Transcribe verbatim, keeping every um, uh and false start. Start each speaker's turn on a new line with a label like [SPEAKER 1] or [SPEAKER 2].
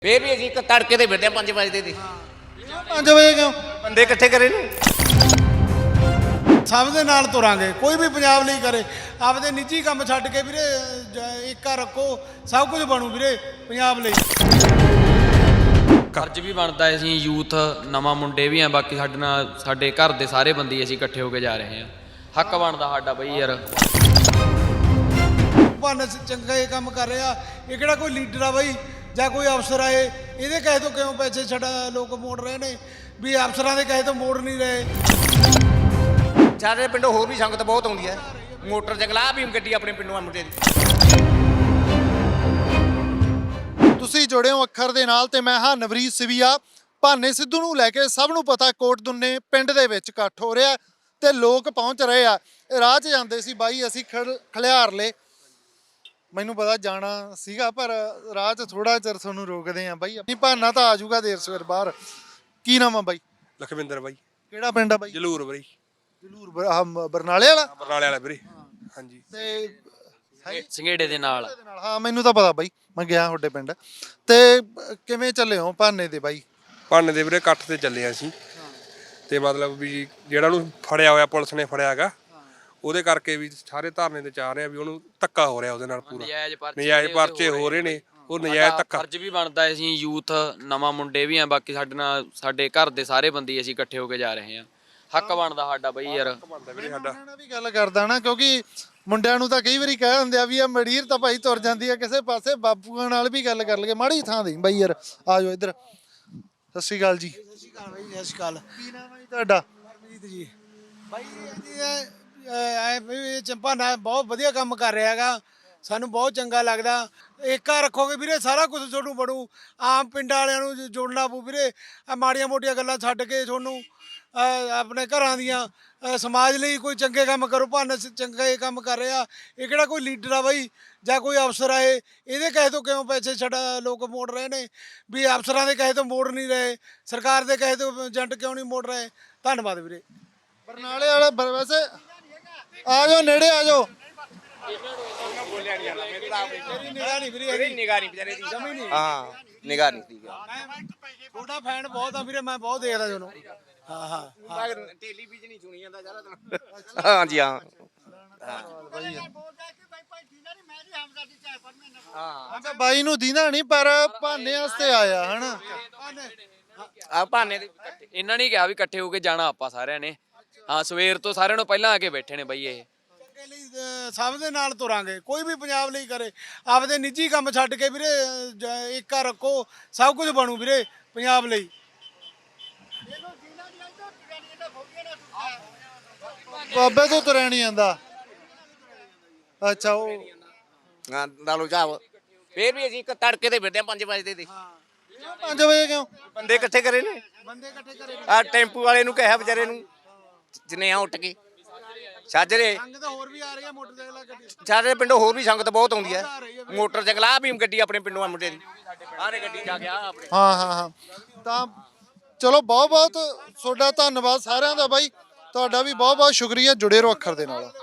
[SPEAKER 1] ਫੇਰ ਵੀ ਅਸੀਂ ਇੱਕ ਤੜਕੇ ਤੇ ਫਿਰਦੇ ਪੰਜ ਵਜੇ ਦੇ
[SPEAKER 2] ਪੰਜ ਵਜੇ ਕਿਉਂ
[SPEAKER 1] ਬੰਦੇ ਇਕੱਠੇ ਕਰੇ ਨੇ।
[SPEAKER 2] ਸਭ ਦੇ ਨਾਲ ਤੁਰਾਂਗੇ, ਕੋਈ ਵੀ ਪੰਜਾਬ ਲਈ ਕਰੇ। ਆਪਦੇ ਨਿੱਜੀ ਕੰਮ ਛੱਡ ਕੇ ਵੀਰੇ ਏਕਾ ਰੱਖੋ, ਸਭ ਕੁਝ ਬਣੂ ਵੀਰੇ ਪੰਜਾਬ ਲਈ।
[SPEAKER 3] ਫਰਜ਼ ਵੀ ਬਣਦਾ ਹੈ, ਅਸੀਂ ਯੂਥ ਨਵਾਂ ਮੁੰਡੇ ਵੀ ਆ, ਬਾਕੀ ਸਾਡੇ ਨਾਲ ਸਾਡੇ ਘਰ ਦੇ ਸਾਰੇ ਬੰਦੇ ਅਸੀਂ ਇਕੱਠੇ ਹੋ ਕੇ ਜਾ ਰਹੇ ਹਾਂ। ਹੱਕ ਬਣਦਾ ਸਾਡਾ ਬਈ ਯਾਰ।
[SPEAKER 2] ਭਾਨ ਚੰਗਾ ਇਹ ਕੰਮ ਕਰ ਰਿਹਾ, ਇਹ ਕਿਹੜਾ ਕੋਈ ਲੀਡਰ ਆ ਬਈ ਜਾਂ ਕੋਈ ਅਫਸਰ ਆਏ ਇਹਦੇ ਕਹੇ ਤੋਂ ਕਿਉਂ ਪੈਸੇ ਛੱਡਾ ਲੋਕ ਮੋੜ ਰਹੇ ਨੇ ਵੀ ਅਫਸਰਾਂ ਦੇ ਕਹੇ ਤੋਂ ਮੋੜ ਨਹੀਂ ਰਹੇ।
[SPEAKER 1] ਸਾਡੇ ਪਿੰਡੋਂ ਹੋਰ ਵੀ ਸੰਗਤ ਬਹੁਤ ਆਉਂਦੀ ਹੈ, ਮੋਟਰ ਜਗਲਾ ਵੀ ਗੱਡੀ ਆਪਣੇ ਪਿੰਡੋਂ ਆ ਮੁੰਡੇ ਦੀ।
[SPEAKER 4] ਤੁਸੀਂ ਜੁੜੇ ਹੋ ਅੱਖਰ ਦੇ ਨਾਲ ਤੇ ਮੈਂ ਹਾਂ ਨਵਰੀਤ ਸਿਵੀਆ। ਭਾਨੇ ਸਿੱਧੂ ਨੂੰ ਲੈ ਕੇ ਸਭ ਨੂੰ ਪਤਾ ਕੋਟ ਦੁੰਨੇ ਪਿੰਡ ਦੇ ਵਿੱਚ ਇਕੱਠ ਹੋ ਰਿਹਾ ਤੇ ਲੋਕ ਪਹੁੰਚ ਰਹੇ ਆ। ਰਾਹ 'ਚ ਜਾਂਦੇ ਸੀ ਬਾਈ ਅਸੀਂ ਖਲਿਆਰ ਲਏ, ਮੈਨੂੰ ਪਤਾ ਜਾਣਾ ਸੀਗਾ ਪਰ ਰਾਹ 'ਚ ਥੋੜਾ ਚਿਰ ਤੁਹਾਨੂੰ ਰੋਕਦੇ ਆ ਬਾਈ। ਆਪਣੀ ਭਾਨਾ ਤਾਂ ਆ ਜਾਊਗਾ ਦੇਰ ਸਵੇਰ ਬਾਹਰ। ਕੀ ਨਾਮ ਆ ਬਾਈ?
[SPEAKER 5] ਲਖਵਿੰਦਰ ਬਾਈ।
[SPEAKER 4] ਕਿਹੜਾ ਪਿੰਡ ਆ ਬਾਈ?
[SPEAKER 5] ਜਲੂਰ ਬਾਈ।
[SPEAKER 4] ਜਲੂਰ ਆਹ ਬਰਨਾਲੇ ਵਾਲਾ?
[SPEAKER 5] ਬਰਨਾਲੇ ਵਾਲਾ ਵੀਰੇ, ਹਾਂਜੀ।
[SPEAKER 4] ਤੇ
[SPEAKER 3] ਸੰਘੇੜੇ ਦੇ ਨਾਲ।
[SPEAKER 4] ਹਾਂ ਮੈਨੂੰ ਤਾਂ ਪਤਾ ਬਾਈ, ਮੈਂ ਗਿਆ ਤੁਹਾਡੇ ਪਿੰਡ। ਤੇ ਕਿਵੇਂ ਚੱਲੇ ਹੋ ਭਾਨੇ ਦੇ ਬਾਈ?
[SPEAKER 5] ਭਾਨੇ ਦੇ ਵੀਰੇ ਇਕੱਠ ਤੇ ਚੱਲੇ ਆ ਅਸੀਂ, ਤੇ ਮਤਲਬ ਵੀ ਜਿਹੜਾ ਉਹਨੂੰ ਫੜਿਆ ਹੋਇਆ ਪੁਲਿਸ ਨੇ ਫੜਿਆ ਹੈਗਾ, ਉਹਦੇ ਕਰਕੇ ਵੀ ਸਾਰੇ ਧਰਨੇ ਤੇ ਚਾਹ ਰਹੇ ਆ ਵੀ ਉਹਨੂੰ ਧੱਕਾ ਹੋ ਰਿਹਾ ਉਹਦੇ ਨਾਲ ਪੂਰਾ। ਨਜਾਇਜ਼ ਪਰਚੇ ਹੋ ਰਹੇ ਨੇ, ਉਹ ਨਜਾਇਜ਼ ਧੱਕਾ।
[SPEAKER 3] ਫਰਜ਼ ਵੀ ਬਣਦਾ ਹੈ, ਅਸੀਂ ਯੂਥ ਨਵਾਂ ਮੁੰਡੇ ਵੀ ਆ, ਬਾਕੀ ਸਾਡੇ ਨਾਲ ਸਾਡੇ ਘਰ ਦੇ ਸਾਰੇ ਬੰਦੇ ਅਸੀਂ ਇਕੱਠੇ ਹੋ ਕੇ ਜਾ ਰਹੇ ਹਾਂ। ਹੱਕ ਬਣਦਾ ਸਾਡਾ ਬਈ ਯਾਰ।
[SPEAKER 5] ਸਾਡਾ
[SPEAKER 4] ਵੀ ਗੱਲ ਕਰਦਾ ਨਾ, ਕਿਉਂਕਿ ਮੁੰਡਿਆਂ ਨੂੰ ਤਾਂ ਕਈ ਵਾਰੀ ਕਹਿ ਦਿੰਦੇ ਆ ਵੀ ਆ ਮੜੀਰ ਤਾਂ ਭਾਈ ਤੁਰ ਜਾਂਦੀ ਆ ਕਿਸੇ ਪਾਸੇ। ਬਾਪੂਆਂ ਨਾਲ ਵੀ ਗੱਲ ਕਰ ਲਈਏ, ਮਾੜੀ ਥਾਂ ਦੀ ਬਾਈ ਯਾਰ। ਆ ਜਾਓ ਇੱਧਰ। ਸਤਿ ਸ਼੍ਰੀ ਅਕਾਲ ਜੀ।
[SPEAKER 2] ਸਤਿ ਸ਼੍ਰੀ ਅਕਾਲ ਬਾਈ। ਸਤਿ ਸ਼੍ਰੀ ਅਕਾਲ।
[SPEAKER 4] ਕੀ ਨਾਮ ਹੈ ਜੀ ਤੁਹਾਡਾ?
[SPEAKER 2] ਹਰਮੀਤ ਜੀ। ਬਾਈ ਐ ਵੀ ਚੰਪਾਨਾ ਬਹੁਤ ਵਧੀਆ ਕੰਮ ਕਰ ਰਿਹਾ ਹੈਗਾ, ਸਾਨੂੰ ਬਹੁਤ ਚੰਗਾ ਲੱਗਦਾ। ਏਕਾ ਰੱਖੋਗੇ ਵੀਰੇ ਸਾਰਾ ਕੁਝ ਤੁਹਾਨੂੰ ਬਣੂ। ਆਮ ਪਿੰਡਾਂ ਵਾਲਿਆਂ ਨੂੰ ਜੋੜਨਾ ਪਊ ਵੀਰੇ। ਆ ਮਾੜੀਆਂ ਮੋਟੀਆਂ ਗੱਲਾਂ ਛੱਡ ਕੇ ਤੁਹਾਨੂੰ ਆਪਣੇ ਘਰਾਂ ਦੀਆਂ ਸਮਾਜ ਲਈ ਕੋਈ ਚੰਗੇ ਕੰਮ ਕਰੋ। ਭਾਨ ਚੰਗਾ ਇਹ ਕੰਮ ਕਰ ਰਿਹਾ, ਇਹ ਕਿਹੜਾ ਕੋਈ ਲੀਡਰ ਆ ਬਾਈ ਜਾਂ ਕੋਈ ਅਫਸਰ ਆਏ ਇਹਦੇ ਕਹੇ ਤੋਂ ਕਿਉਂ ਪੈਸੇ ਛੱਡਾ ਲੋਕ ਮੋੜ ਰਹੇ ਨੇ ਵੀ ਅਫਸਰਾਂ ਦੇ ਕਹੇ ਤੋਂ ਮੋੜ ਨਹੀਂ ਰਹੇ, ਸਰਕਾਰ ਦੇ ਕਹੇ ਤੋਂ ਏਜੰਟ ਕਿਉਂ ਨਹੀਂ ਮੋੜ ਰਹੇ। ਧੰਨਵਾਦ ਵੀਰੇ।
[SPEAKER 4] ਬਰਨਾਲੇ ਵਾਲਾ ਵੈਸੇ ਆ ਜਾਓ, ਨੇੜੇ ਆ ਜਾਓ।
[SPEAKER 1] ਬੋਲਿਆ ਨਹੀਂ ਜਾਂਦਾ, ਮੇਰੀ ਤਾਂ
[SPEAKER 2] ਮੇਰੀ ਨਿਗਾਹ ਨਹੀਂ ਵੀਰੇ,
[SPEAKER 1] ਮੇਰੀ ਨਿਗਾਹ ਨਹੀਂ ਵਿਚਾਰੇ ਦੀ।
[SPEAKER 2] ਜਮੀ ਨਹੀਂ।
[SPEAKER 1] ਹਾਂ ਨਿਗਾਹ ਨਹੀਂ ਠੀਕ
[SPEAKER 2] ਤੁਹਾਡਾ ਫੈਨ ਬਹੁਤ ਆ ਵੀਰੇ, ਮੈਂ ਬਹੁਤ ਦੇਖਦਾ ਤੁਹਾਨੂੰ। ਹਾਂ ਹਾਂ
[SPEAKER 1] ਹੈ। ਟੈਲੀਵਿਜ਼ਨ ਨਹੀਂ ਸੁਣੀ ਜਾਂਦਾ ਜ਼ਿਆਦਾ। ਹਾਂਜੀ ਹਾਂ
[SPEAKER 4] ਅੱਛਾ ਬਾਈ ਨੂੰ ਦੀਨਾ ਨਹੀਂ ਪਰ ਭਾਨੇ ਵਾਸਤੇ ਆਇਆ ਹਨਾ।
[SPEAKER 1] ਆ ਭਾਨੇ ਦੇ
[SPEAKER 3] ਇਹਨਾਂ ਨੇ ਕਿਹਾ ਵੀ ਇਕੱਠੇ ਹੋ ਕੇ ਜਾਣਾ ਆਪਾਂ ਸਾਰਿਆਂ ਨੇ। ਹਾਂ ਸਵੇਰ ਤੋਂ ਸਾਰਿਆਂ ਨੂੰ ਪਹਿਲਾਂ ਆ ਕੇ ਬੈਠੇ ਨੇ ਬਈ ਇਹ।
[SPEAKER 2] ਚੰਗੇ ਲਈ ਸਭ ਦੇ ਨਾਲ ਤੁਰਾਂਗੇ, ਕੋਈ ਵੀ ਪੰਜਾਬ ਲਈ ਕਰੇ। ਆਪਦੇ ਨਿੱਜੀ ਕੰਮ ਛੱਡ ਕੇ ਵੀਰੇ ਏਕਾ ਰੱਖੋ, ਸਭ ਕੁਝ ਬਣੂ ਵੀਰੇ ਪੰਜਾਬ ਲਈ।
[SPEAKER 4] ਬਾਬੇ ਤੋਂ ਤੁਰਿਆ ਨਹੀਂ ਜਾਂਦਾ। ਅੱਛਾ ਉਹ
[SPEAKER 1] ਹਾਂ ਦਾਲੋ ਚਾਹ। ਫੇਰ ਵੀ ਅਸੀਂ ਇੱਕ ਤੜਕੇ ਤੇ ਫਿਰਦੇ ਪੰਜ ਵਜੇ ਦੇ
[SPEAKER 4] ਪੰਜ ਵਜੇ ਕਿਉਂ
[SPEAKER 1] ਬੰਦੇ ਇਕੱਠੇ ਕਰੇ ਨੇ।
[SPEAKER 2] ਬੰਦੇ ਇਕੱਠੇ ਕਰੇ
[SPEAKER 1] ਆ ਟੈਂਪੂ ਵਾਲੇ ਨੂੰ ਕਿਹਾ ਵਿਚਾਰੇ ਨੂੰ ਜਨੇ ਆ ਉੱਠ ਕੇ ਸਾਜਰੇ।
[SPEAKER 2] ਸੰਗਤ ਹੋਰ ਵੀ ਆ ਰਹੀ ਆ, ਮੋਟਰਸਾਈਕਲਾਂ ਗੱਡੀ।
[SPEAKER 1] ਸਾਡੇ ਪਿੰਡੋਂ ਹੋਰ ਵੀ ਸੰਗਤ ਬਹੁਤ ਆਉਂਦੀ ਹੈ, ਮੋਟਰ ਜਗਲਾ ਵੀ ਗੱਡੀ ਆਪਣੇ ਪਿੰਡੋਂ ਆ ਮੁੰਡੇ ਦੀ। ਆਰੇ ਗੱਡੀ ਜਾ ਕੇ ਆ ਆਪਣੇ।
[SPEAKER 4] ਹਾਂ ਹਾਂ ਹਾਂ ਤਾਂ ਚਲੋ ਬਹੁਤ ਬਹੁਤ ਤੁਹਾਡਾ ਧੰਨਵਾਦ ਸਾਰਿਆਂ ਦਾ ਬਾਈ। ਤੁਹਾਡਾ ਵੀ ਬਹੁਤ ਬਹੁਤ ਸ਼ੁਕਰੀਆ, ਜੁੜੇ ਰਹੋ ਅੱਖਰ ਦੇ ਨਾਲ।